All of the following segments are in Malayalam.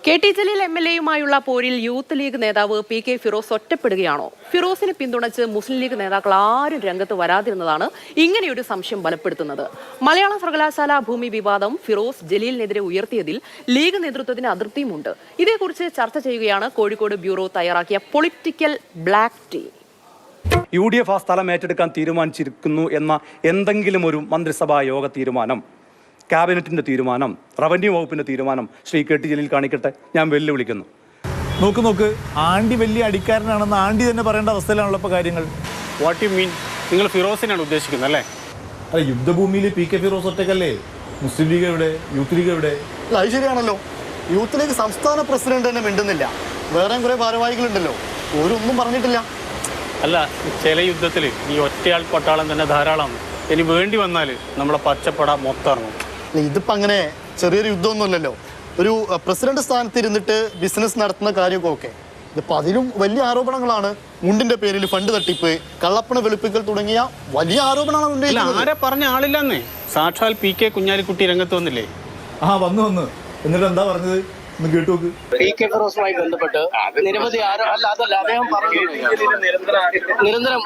കെ.ടി. ജലീൽ എം.എൽ.എയുമായുള്ള പോരിൽ യൂത്ത് ലീഗ് നേതാവ് പി.കെ. ഫിറോസ് ഒറ്റപ്പെടുകയാണോ? ഫിറോസിനെ പിന്തുണച്ച് മുസ്ലിം ലീഗ് നേതാക്കൾ ആരും രംഗത്ത് വരാതിരുന്നതാണ് ഇങ്ങനെയൊരു സംശയം ബലപ്പെടുത്തുന്നത്. മലയാള സർവകലാശാല ഭൂമി വിവാദം ഫിറോസ് ജലീലിനെതിരെ ഉയർത്തിയതിൽ ലീഗ് നേതൃത്വത്തിന് അതൃപ്തിയുമുണ്ട്. ഇതേക്കുറിച്ച് ചർച്ച ചെയ്യുകയാണ് കോഴിക്കോട് ബ്യൂറോ തയ്യാറാക്കിയ പൊളിറ്റിക്കൽ ബ്ലാക്ക് ടീ. UDF ആ സ്ഥലം ഏറ്റെടുക്കാൻ തീരുമാനിച്ചിരിക്കുന്നു എന്ന എന്തെങ്കിലും ഒരു മന്ത്രിസഭാ യോഗ തീരുമാനം, ക്യാബിനറ്റിന്റെ തീരുമാനം, റവന്യൂ വകുപ്പിന്റെ തീരുമാനം ശ്രീ കെ.ടി. ജലീൽ കാണിക്കട്ടെ. ഞാൻ വെല്ലുവിളിക്കുന്നു. നോക്ക് ആണ്ടി വലിയ അടിക്കാരനാണെന്ന് ആണ്ടി തന്നെ പറയേണ്ട അവസ്ഥയിലാണല്ലോ ഇപ്പോൾ കാര്യങ്ങൾ. What you mean? നിങ്ങൾ ഫിറോസിനാണ് ഉദ്ദേശിക്കുന്നത് അല്ലേ? അല്ല, യുദ്ധഭൂമിയിൽ പി.കെ. ഫിറോസ് ഒറ്റക്കല്ലേ? മുസ്ലിം ലീഗ് എവിടെ? യൂത്ത് ലീഗ് എവിടെ? അല്ല, അത് ശരിയാണല്ലോ. യൂത്ത് ലീഗ് സംസ്ഥാന പ്രസിഡന്റ് തന്നെ മിണ്ടുന്നില്ല. വേറെ കുറെ ഭാരവാഹികളുണ്ടല്ലോ, ഓരൊന്നും പറഞ്ഞിട്ടില്ല. അല്ല, ചില യുദ്ധത്തിൽ ഈ ഒറ്റയാൾ പട്ടാളം തന്നെ ധാരാളമാണ്. ഇനി വേണ്ടി വന്നാൽ നമ്മളെ പച്ചപ്പട മൊത്തം ഇറങ്ങും. ഇതിപ്പോ അങ്ങനെ ചെറിയൊരു യുദ്ധമൊന്നുമല്ലല്ലോ. ഒരു പ്രസിഡന്റ് സ്ഥാനത്ത് ഇരുന്നിട്ട് ബിസിനസ് നടത്തുന്ന കാര്യമൊക്കെ ഓക്കെ. ഇതിപ്പോ അതിലും വലിയ ആരോപണങ്ങളാണ്. മുണ്ടിന്റെ പേരിൽ ഫണ്ട് തട്ടിപ്പ്, കള്ളപ്പണ വെളുപ്പിക്കൽ തുടങ്ങിയ വലിയ ആരോപണങ്ങളാണ്. ആരെ പറഞ്ഞ ആളില്ലെന്നേ. സാക്ഷാൽ പി.കെ. കുഞ്ഞാലിക്കുട്ടി രംഗത്ത് വന്നില്ലേ? വന്നു എന്നിട്ട് എന്താ പറഞ്ഞത്? പി.കെ. ഫിറോസുമായി ബന്ധപ്പെട്ട് നിരവധി അദ്ദേഹം നിരന്തരം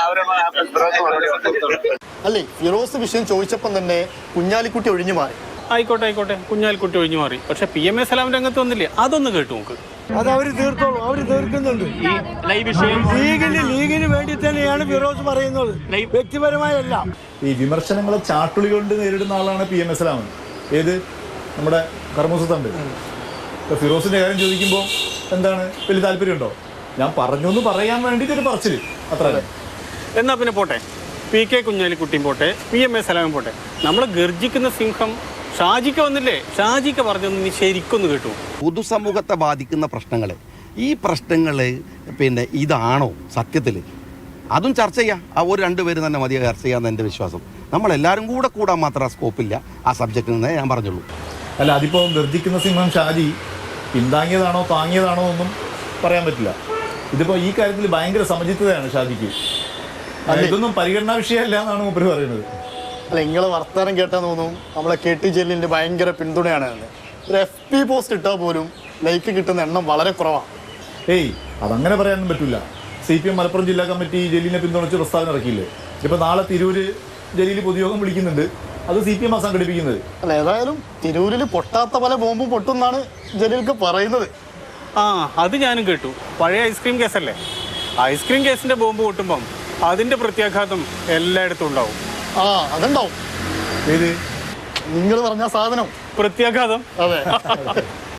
അല്ലേ, ഫിറോസ് വിഷയം ചോദിച്ചപ്പം തന്നെ കുഞ്ഞാലിക്കുട്ടി ഒഴിഞ്ഞു മാറി. ആയിക്കോട്ടെ, കുഞ്ഞാലിക്കുട്ടി ഒഴിഞ്ഞു മാറി. പക്ഷെ PMA സലാം രംഗത്ത് വന്നില്ലേ? അതൊന്ന് കേട്ടു നോക്ക്. അത് അവര് തീർത്തോളൂ, അവര് തീർക്കുന്നുണ്ട്. ലീഗിന് വേണ്ടി തന്നെയാണ് ഫിറോസ് പറയുന്നത്, വ്യക്തിപരമായല്ല. ഈ വിമർശനങ്ങളെ ചാട്ടുളി കൊണ്ട് നേരിടുന്ന ആളാണ് PMA സലാം. ഏത് നമ്മുടെ കർമ്മസുത്തുണ്ട്. ഇപ്പോൾ ഫിറോസിന്റെ കാര്യം ചോദിക്കുമ്പോൾ എന്താണ് വലിയ താല്പര്യമുണ്ടോ? ഞാൻ പറഞ്ഞു എന്ന് പറയാൻ വേണ്ടിയിട്ടൊരു പറച്ചില്, അത്ര. എന്നാ പിന്നെ പോട്ടെ, പി.കെ. കുഞ്ഞാലിക്കുട്ടിയും പോട്ടെ, PMA സലാമും പോട്ടെ. നമ്മൾ ഗർജിക്കുന്ന സിംഹം ഷാജിക്ക വന്നില്ലേ? ഷാജിക്ക പറഞ്ഞൊന്ന് നീ ശരിക്കൊന്ന് കേട്ടു. പൊതുസമൂഹത്തെ ബാധിക്കുന്ന പ്രശ്നങ്ങൾ, ഈ പ്രശ്നങ്ങൾ പിന്നെ ഇതാണോ സത്യത്തിൽ? അതും ചർച്ച ചെയ്യാം. ഒരു രണ്ടുപേരും തന്നെ മതി ചർച്ച ചെയ്യാമെന്ന് എൻ്റെ വിശ്വാസം. നമ്മളെല്ലാവരും കൂടാൻ മാത്രം സ്കോപ്പില്ല ആ സബ്ജക്റ്റിൽ നിന്ന് ഞാൻ പറഞ്ഞുള്ളൂ. അല്ല, അതിപ്പോൾ ഗർജിക്കുന്ന സിംഹം ഷാജി പിന്താങ്ങിയതാണോ താങ്ങിയതാണോ ഒന്നും പറയാൻ പറ്റില്ല. ഇതിപ്പോൾ ഈ കാര്യത്തിൽ ഭയങ്കര സമചിത്തതയാണ് ഷാജിക്ക്. ഇതൊന്നും പരിഗണനാ വിഷയമല്ല എന്നാണ് മൂപ്പര് പറയുന്നത്. അല്ല, നിങ്ങളെ വർത്തമാനം കേട്ടാൽ തോന്നും നമ്മളെ കെ.ടി. ജലീലിന്റെ ഭയങ്കര പിന്തുണയാണ്. ഒരു FB പോസ്റ്റ് ഇട്ടാൽ പോലും ലൈക്ക് കിട്ടുന്ന എണ്ണം വളരെ കുറവാണ്. അതങ്ങനെ പറയാനൊന്നും പറ്റില്ല. CPM മലപ്പുറം ജില്ലാ കമ്മിറ്റി ജലീലിനെ പിന്തുണച്ച് പ്രസ്താവന ഇറക്കിയില്ലേ? ഇപ്പോൾ നാളെ തിരൂര് ജലീൽ പൊതുയോഗം വിളിക്കുന്നുണ്ട്. അത് CPM സംഘടിപ്പിക്കുന്നത്. അല്ല, ഏതായാലും തിരൂരിൽ പൊട്ടാത്ത പല ബോംബും പൊട്ടുന്നാണ് ജലീൽക്ക് പറയുന്നത്. അത് ഞാനും കേട്ടു. പഴയ ഐസ്ക്രീം കേസല്ലേ? ഐസ്ക്രീം കേസിന്റെ ബോംബ് പൊട്ടുമ്പം അതിന്റെ പ്രത്യാഘാതം എല്ലായിടത്തും ഉണ്ടാവും. അതുണ്ടാവും. ഏത് നിങ്ങൾ പറഞ്ഞ സാധനം പ്രത്യാഘാതം? അതെ.